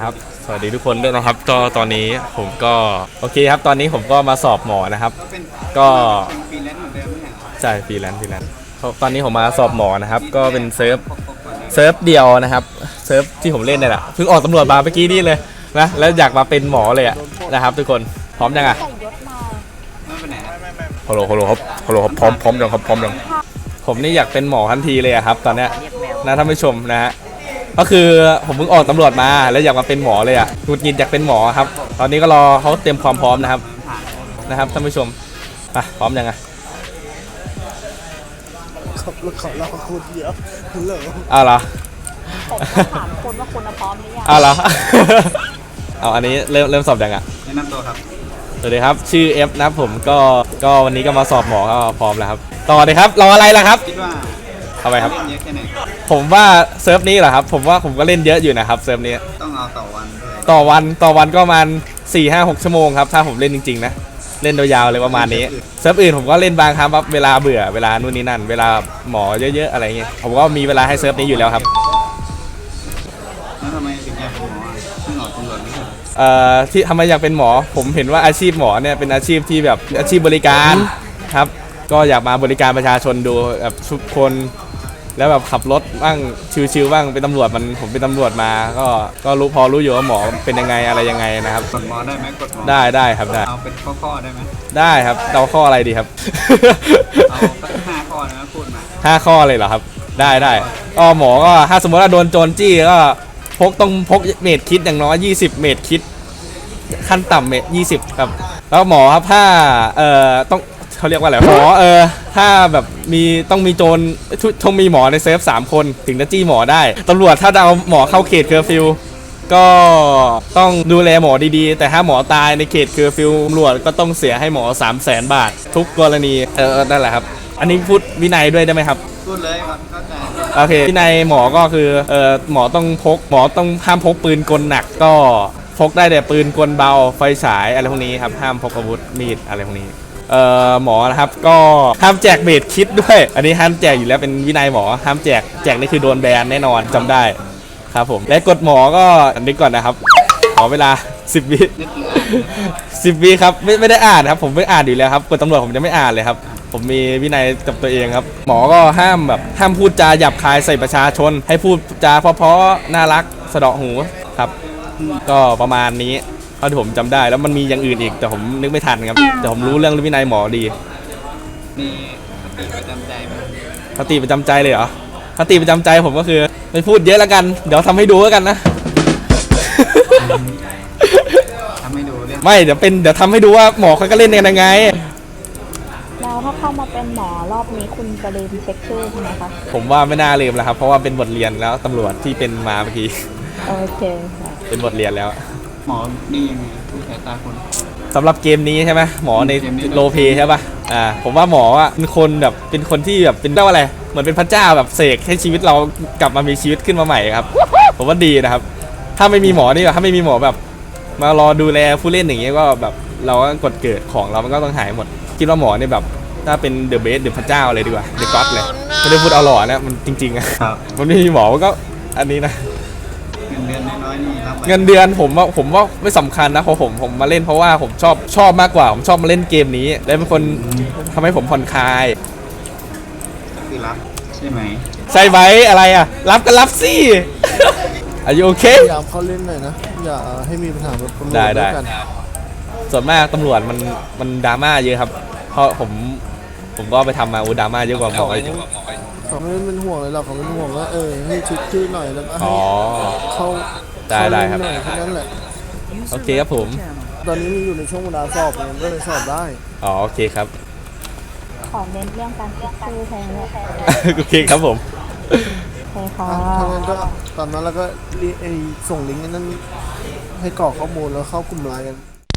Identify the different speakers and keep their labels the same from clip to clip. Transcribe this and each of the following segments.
Speaker 1: ครับสวัสดีทุกคนด้วยนะครับก็ตอนนี้ผมก็โอเคครับตอนนี้ผมก็มาสอบหมอนะครับก็
Speaker 2: ฟรีแลนซ์เหมือนเดิมไหมครับ
Speaker 1: ใช่ฟรีแลนซ์ตอนนี้ผมมาสอบหมอนะครับก็เป็นเซิร์ฟเดียวนะครับเซิร์ฟที่ผมเล่นเนี่ยแหละเพิ่งออกตำรวจมาเมื่อกี้นี่เลยนะแล้วอยากมาเป็นหมอเลยนะครับทุกคนพร้อมยังอ่ะ
Speaker 2: ไม่เป็นไหนครับ
Speaker 1: ฮัลโหลครับพร้อมยังครับพร้อมยังผมนี่อยากเป็นหมอทันทีเลยครับตอนเนี้ยนะท่านผู้ชมนะฮะก็คือผมเพิ่งออกตำรวจมาแล้วอยากมาเป็นหมอเลยหงุดหงิดอยากเป็นหมอครับตอนนี้ก็รอเขาเตรียมความพร้อมนะครับท่านผู้ชมพร้อมยังไง
Speaker 3: ขับรถเขาเราคนเดียวเหรอ
Speaker 1: เหรอ
Speaker 4: ผมถามคนว่าคุณพร้อมหรือยัง
Speaker 1: เหรอเอาอันนี้เริ่มสอบยัง
Speaker 2: แนะนำตัวครับ
Speaker 1: สวัสดีครับชื่อเอฟนะผมก็วันนี้ก็มาสอบหมอก็พร้อมแล้วครับต่อเลยครับรออะไรล่ะครับ
Speaker 2: คิดว่า
Speaker 1: ทำไมครับ
Speaker 2: เล่นเยอะแค่ไหน
Speaker 1: ผมว่าเซิร์ฟนี้เหรอครับผมว่าผมก็เล่นเยอะอยู่นะครับเซิร์ฟนี้
Speaker 2: ต้องเอาต่อวันด้วย
Speaker 1: ต่อวันก็ประมาณ 4-5-6 ชั่วโมงครับถ้าผมเล่นจริงๆนะเล่นยาวๆเลยประมาณนี้เซิร์ฟอื่นผมก็เล่นบางครั้งครับเวลาเบื่อเวลานู่นนี่นั่นเวลาหมอเยอะๆอะไรเงี้ยผมก็มีเวลาให้เซิร์ฟนี้อยู่แล้วครับ
Speaker 2: แล้วทำไมถึงอยากเป็นหมอเพิ่งออกตำรวจไม่ใช่
Speaker 1: ที่ทำไมอยากเป็นหมอผมเห็นว่าอาชีพหมอเนี่ยเป็นอาชีพที่แบบอาชีพบริการครับก็อยากมาบริการประชาชนดูแบบทุกคนแล้วแบบขับรถบ้างชิวๆบ้างเป็นตำรวจผมเป็นตำรวจมาก็รู้อยู่ว่าหมอเป็นยังไงอะไรยังไงนะครับ
Speaker 2: กดหมอได้ไหมกดหมอ
Speaker 1: ได้ครับได้
Speaker 2: เอาเป็นข้อได้ไหม
Speaker 1: ได้ครับเอาข้ออะไรดีครับ
Speaker 2: เอาสัก5 ข้อนะพูดมา
Speaker 1: 5 ข้อเลยเหรอครับได้ก็หมอก็ถ้าสมมติว่าโดนโจรจี้ก็ต้องพกเมตรคิดอย่างน้อย20 เมตรคิดขั้นต่ำเมตร20ครับแล้วหมอครับถ้าต้องเขาเรียกว่าอะไรหมอถ้าแบบต้องมีโจรต้องมีหมอในเซฟ3 คนถึงจะจี้หมอได้ตำรวจถ้าจะเอาหมอเข้าเขตเคอร์ฟิวก็ต้องดูแลหมอดีๆแต่ถ้าหมอตายในเขตเคอร์ฟิวตำรวจก็ต้องเสียให้หมอ300,000 บาททุกกรณีนั่นแหละครับอันนี้พูดวินัยด้วยได้ไหมครับ
Speaker 2: พูดเลยครับเข้าใจ
Speaker 1: โอเควินัยหมอก็คือหมอต้องห้ามพกปืนกลหนักก็พกได้แต่ปืนกลเบาไฟฉายอะไรพวกนี้ครับห้ามพกอาวุธมีดอะไรพวกนี้หมอนะครับก็ห้ามแจกเมดคิดด้วยอันนี้ห้ามแจกอยู่แล้วเป็นวินัยหมอห้ามแจกนี่คือโดนแบนแน่นอนจำได้ครับผมและกฎหมอก็อันนี้ก่อนนะครับขอเวลา10 วิ10 วิครับไม่ได้อ่านครับผมไม่อ่านอยู่แล้วครับกฎตำรวจผมจะไม่อ่านเลยครับผมมีวินัยกับตัวเองครับหมอก็ห้ามพูดจาหยาบคายใส่ประชาชนให้พูดจาเพราะๆน่ารักสะเดาะหูครับก็ประมาณนี้เท่าที่ผมจำได้แล้วมันมีอย่างอื่นอีกแต่ผมนึกไม่ทันครับแต่ผมรู้เรื่องวินัยหมอดี
Speaker 2: มีคติประจำใจไหม
Speaker 1: คติประจำใจเลยเหรอคติประจำใจผมก็คือไม่พูดเยอะแล้วกันเดี๋ยวทำให้ดูแล้วกันนะ
Speaker 2: ทำให้ดูเรื่อง
Speaker 1: ไม่เดี๋ยวทำให้ดูว่าหมอเขาก็เล่นกันยังไง
Speaker 4: แล้วถ้าเข้ามาเป็นหมอรอบนี้คุณจะลืมเช็คชื่อใช่ไหมคะ
Speaker 1: ผมว่าไม่น่าลืมแล้วครับเพราะว่าเป็นบทเรียนแล้วตำรวจที่เป็นมาเมื่อกี้
Speaker 4: โอเคค่ะ
Speaker 1: เป็นบทเรียนแล้ว
Speaker 2: หมอนี่ยังไงผู้สายตาคน
Speaker 1: สำหรับเกมนี้ใช่ไหมหมอในโลเพใช่ป่ะผมว่าหมอเป็นคนแบบเป็นคนที่แบบเป็นเรียกว่าอะไรเหมือนเป็นพระเจ้าแบบเสกให้ชีวิตเรากลับมามีชีวิตขึ้นมาใหม่ครับผมว่าดีนะครับถ้าไม่มีหมอนี่ถ้าไม่มีหมอแบบมารอดูแลผู้เล่นอย่างเงี้ยก็แบบเราก็กดเกิดของเรามันก็ต้องหายหมดคิดว่าหมอนี่แบบถ้าเป็นเดอะเบสเดอะพระเจ้าเลยดีกว่าเดอะก็อดเลยไม่ได้พูดเอาหล่อนะมันจริงๆอะมันไม่มีหมอก็อันนี้นะ
Speaker 2: เงินเดือนน้อยๆนี่รับ
Speaker 1: เงินเดือนผมว่าไม่สำคัญนะเพราะผมมาเล่นเพราะว่าผมชอบมากกว่าผมชอบมาเล่นเกมนี้และเป็นคนทำให้ผมผ่อนคลาย
Speaker 2: คือรับใช่ไหม
Speaker 1: ใช่ไหมอะไรอ่ะรับก็รับสิอายุโอเค
Speaker 3: พยายามเข้าเล่นหน่อยนะอย่าให้มีปัญหาแบบตำรวจ
Speaker 1: ด้วยกันส่วนมากตำรวจมันดราม่าเยอะครับเพราะผมก็ไปทำมาดราม่าเยอะกว่าหมออีก
Speaker 3: เขาไม่เป็นห่วงเลยหรอกเขาเป็นห่วงว่าให้ชุดชื่อหน่อยแล้วก็ให้เข้า
Speaker 1: ได้ครับ
Speaker 3: แค่นั้นแหละ
Speaker 1: โอเคครับผม
Speaker 3: ตอนนี้มีอยู่ในช่วงเวลาสอบไงก็เลยสอบได้
Speaker 1: โอเคครับ
Speaker 4: ขอเน้นเรื่องการเช็คชื่อแทนเลย
Speaker 1: โอเคครับผม
Speaker 4: ใช่ค่ะ
Speaker 3: ถ้างั้นก็ตอนนั้นเราก็ส่งลิงก์นั้นให้กรอกข้อมูลแล้วเข้ากลุ่มไลน์กัน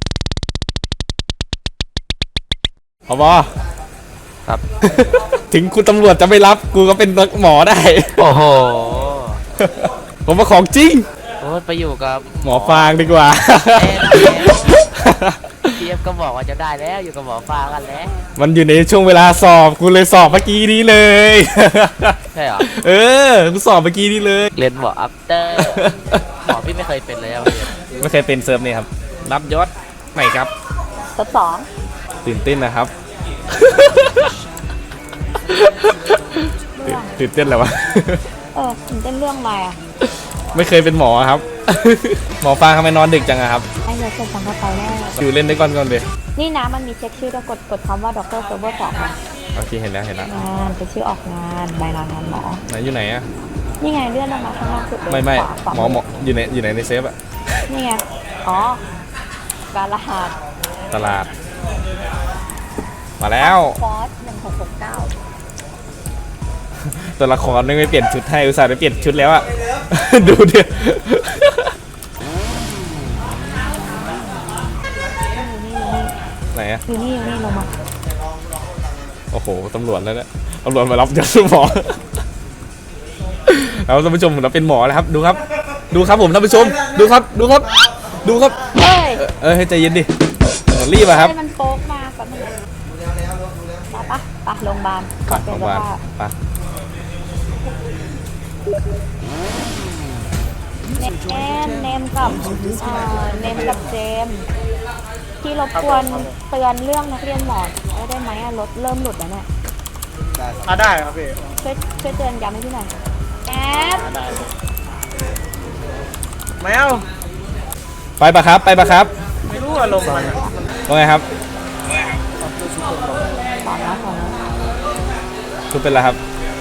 Speaker 1: ผบ.ครับถึงคุณตำรวจจะไม่รับกูก็เป็นหมอได้
Speaker 5: โอ้โห
Speaker 1: ผมมาของจริง
Speaker 5: โอ้ไปอยู่กับ
Speaker 1: หมอฟางดีกว่า
Speaker 5: พี่เอฟก็บอกว่าจะได้แล้วอยู่กับหมอฟางกันแล้ว
Speaker 1: มันอยู่ในช่วงเวลาสอบกูเลยสอบเมื่อกี้นี้เลย
Speaker 5: ใช่เหรอ
Speaker 1: กูสอบเมื่อกี้นี้เลย
Speaker 5: เรียนหมออัปเตอร์หมอพี่ไม่เคยเป็นเลยอะ
Speaker 1: ไม่เคยเป็นเซิร์ฟนี่ครับ รับยศใหม่ครับ
Speaker 4: ทดสอง
Speaker 1: ตื่นเต้นนะครับ ตื่นเต้นอะไรวะ
Speaker 4: ตื่นเต้นเรื่องอะไรอ่ะ
Speaker 1: ไม่เคยเป็นหมอครับ หมอฟางทำไมนอนดึกจังอะครับ
Speaker 4: ไอ้เดี๋ยวเสร็จสังกัดไปแล้ว
Speaker 1: อยู่เล่นได้ก่อนเลย
Speaker 4: นี่นะมันมีเช็คชื่อแล้วกดคำว่าด็อกเตอร์เซิร์ฟเวอร์สองง
Speaker 1: โอเคเห็นแล้ว
Speaker 4: านเป็นชื่อออกงานใบลางานหมอ
Speaker 1: ไหนอยู่ไหนอะ
Speaker 4: นี่ไงเลื่อนลงมาข้างล่างสุดเลย
Speaker 1: ไม่
Speaker 4: ขวา
Speaker 1: หมออยู่ไหนในเซฟอะ
Speaker 4: นี่ไง อ๋อ การรหัส
Speaker 1: ตลาด มาแล้ว
Speaker 4: คอร์ส1669
Speaker 1: ตัวละครไม่เปลี่ยนชุดให้อุตส่าห์ไปเปลี่ยนชุดแล้วอะ ดูดิ ไหนอะ
Speaker 4: อยู่นี่ลงมา
Speaker 1: โอ้โหตำรวจแล้วเนี่ยตำรวจมารับยศหมอ แล้วท่านผู้ชมเราเป็นหมอแล้วครับ ดูครับผมท่านผู้ชมดูครับ
Speaker 4: เฮ้ย
Speaker 1: ให้ใจเย็นดิรีบอะครับ
Speaker 4: ให้มันโป๊กมาก่อนมันไปโรงพยาบาลก่อนเป็น
Speaker 1: โรงพ
Speaker 4: ส
Speaker 1: ยาบาล
Speaker 4: ภาพ
Speaker 1: ไป
Speaker 4: เนมกับเจมส์ที่รบกวนเตือนเรื่องนักเรียนหมอได้ไหมอะรถเริ่มหลุดแล้วเนี่ย
Speaker 3: ได้ครับพี่
Speaker 4: ช่วยเตือนย้ำให้พี่หน่อยแอด
Speaker 3: แมว
Speaker 1: ไปปะครับ
Speaker 3: ไม่รู้อารมณ์มัน
Speaker 1: ว่าไงครับ
Speaker 4: ต่อแล้ว
Speaker 1: ชุดเป็นไรครับ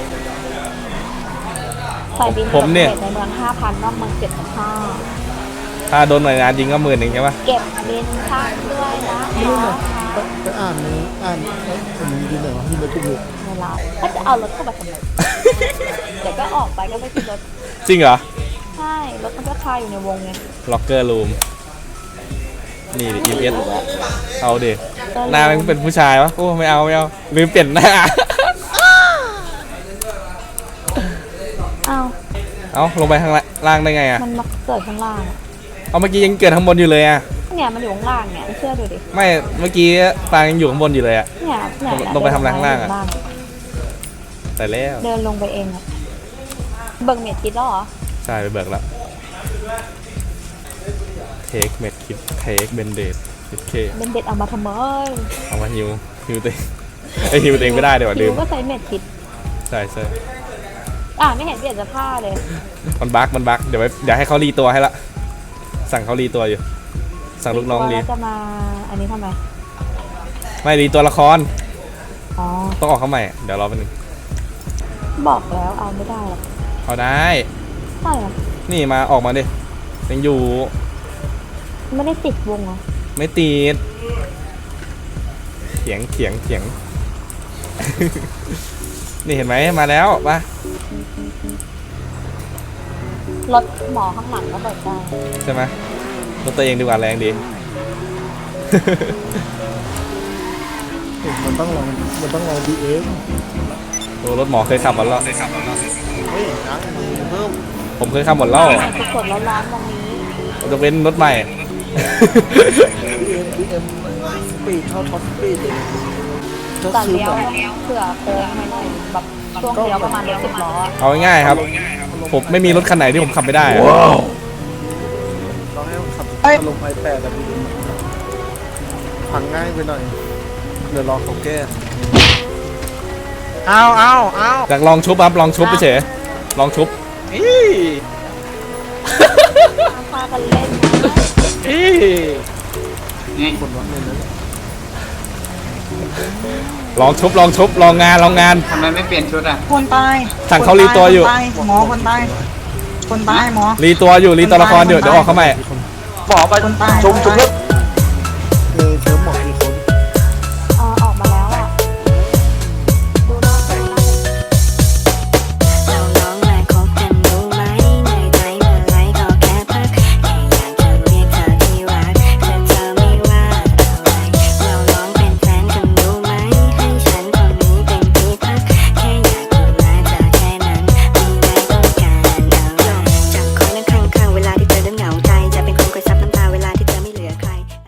Speaker 4: ใส่บิน
Speaker 1: ผมเนี่ย
Speaker 4: ในเมือง 5,000 นอกเมือง 7,500
Speaker 1: ถ้าโดนหน่วยงานยิงก็10,000ใช่ปะ
Speaker 4: เก็บบินค่าด้วยนะ
Speaker 3: ไปอ่านผมดูหน่อยว่าที่ในกลุ่ม
Speaker 4: เวลาถ้าจะเอารถเข้ามาทำไม เดี๋ยวก็ออกไปก็ไม่ขึ้นรถ
Speaker 1: จริงเหรอ
Speaker 4: ใช่ รถมันก็คาอยู่ในวงไง
Speaker 1: ล็อกเกอร์รูมนี่ดิ EMS เอาดิหน้ามันเป็นผู้ชายวะโอ้ไม่เอาลืมเปลี่ยนหน้า
Speaker 4: อ้าว
Speaker 1: เอาลงไปข้างล่างได้ไงอะ
Speaker 4: มันมาเกิดข้างล่างอะ
Speaker 1: เอาเมื่อกี้ยังเกิดข้างบนอยู่เลยอะ
Speaker 4: เนี่ยมันอยู่ข้างล่างเนี่ยไม่เชื่อดูดิ
Speaker 1: ไม่เมื่อกี้ฟางยังอยู่ข้างบนอยู่เลยอะ
Speaker 4: เนี่ย
Speaker 1: ลงไปทำอะไรข้างล่างอะ แต่แล้ว
Speaker 4: เดินลงไปเองอะเบิ่งเม็ดคิดแล้วเหรอ
Speaker 1: ใช่ไปเบิกแล้วเทคเม็ดคิดเทคเบนเดดคิดเค
Speaker 4: เป็นเด็ดเอามาทำไม
Speaker 1: เอามาฮิวตัวเองไอฮิวตัวเองไม่ได้เดี๋ยวลื
Speaker 4: คิ
Speaker 1: ม
Speaker 4: วก็ใช้เม็ดคิด
Speaker 1: ใช่
Speaker 4: ไม่เห็นเปลี่ยนเสื้อผ้าเลย
Speaker 1: มันบั๊กเดี๋ยวให้เขารีตัวให้ละสั่งเขารีตัวอยู่ สั่งลูกน้องรี
Speaker 4: แล้วจะมาอันนี้ทำไม
Speaker 1: ไม่รีตัวละคร
Speaker 4: อ๋อ
Speaker 1: ต้องออกเข้าใหม่เดี๋ยวรอแป๊บนึง
Speaker 4: บอกแล้วเอาไม่ได้หรอก
Speaker 1: เอาได้
Speaker 4: ใช่เหรอ
Speaker 1: นี่มาออกมาดิยังอยู่
Speaker 4: ไม่ได้ติดวงเหรอ
Speaker 1: ไม่ติดเถียง นี่เห็นไหมมาแล้วปะ
Speaker 4: รถหมอข้างหลังก็เปิดได้
Speaker 1: ใช่ไหมรถตัวเองดีกว่าแรงดี
Speaker 3: มันต้องลองดีเอ็ม
Speaker 1: โอ้รถหมอเคยขับหมดแล้ว
Speaker 3: เฮ้ยนะเพิ่ม
Speaker 1: ผมเคยขับหมดแล้ว
Speaker 4: ทุกคนแล้วร้อนตรงนี้
Speaker 1: จะเป็นรถใหม่
Speaker 3: ดีเอ็มสปีดเท่าท็อปสปีดเลยก็
Speaker 4: แต่
Speaker 3: คือ
Speaker 4: เลี้ย
Speaker 3: แบ
Speaker 4: ว
Speaker 3: บ
Speaker 4: เผื่อโค้งไปหน่อยแบบช่วงเลี้ยวประมาณรถ10 ล้ออะ
Speaker 1: เอาง่ายๆครับ ผมไม่มีรถคันไหนที่ผมขับไม่ได้อะ
Speaker 3: เราให้ขับอารมณ์ไอแปดแบบนี้พังง่ายไปหน่อย เดี๋ยวรอเขาแก้เอา
Speaker 1: อยากลองชุบครับลองชุบไปเฉยลองชุบ
Speaker 4: พากันเล่นนะ
Speaker 2: นี่
Speaker 3: คนวัดเลยนะ
Speaker 1: ลองชุบลองงาน
Speaker 2: ทำไมไม่เปลี่ยนชุดอ่ะ
Speaker 6: คนตาย
Speaker 1: สั่งเขารีตัวอยู่
Speaker 6: คนตายหมอคนตาย คนตายหมอ
Speaker 1: รีตัวละครเดี๋ยวออกเข้าใหม่
Speaker 6: หมอไปคนตายชุบ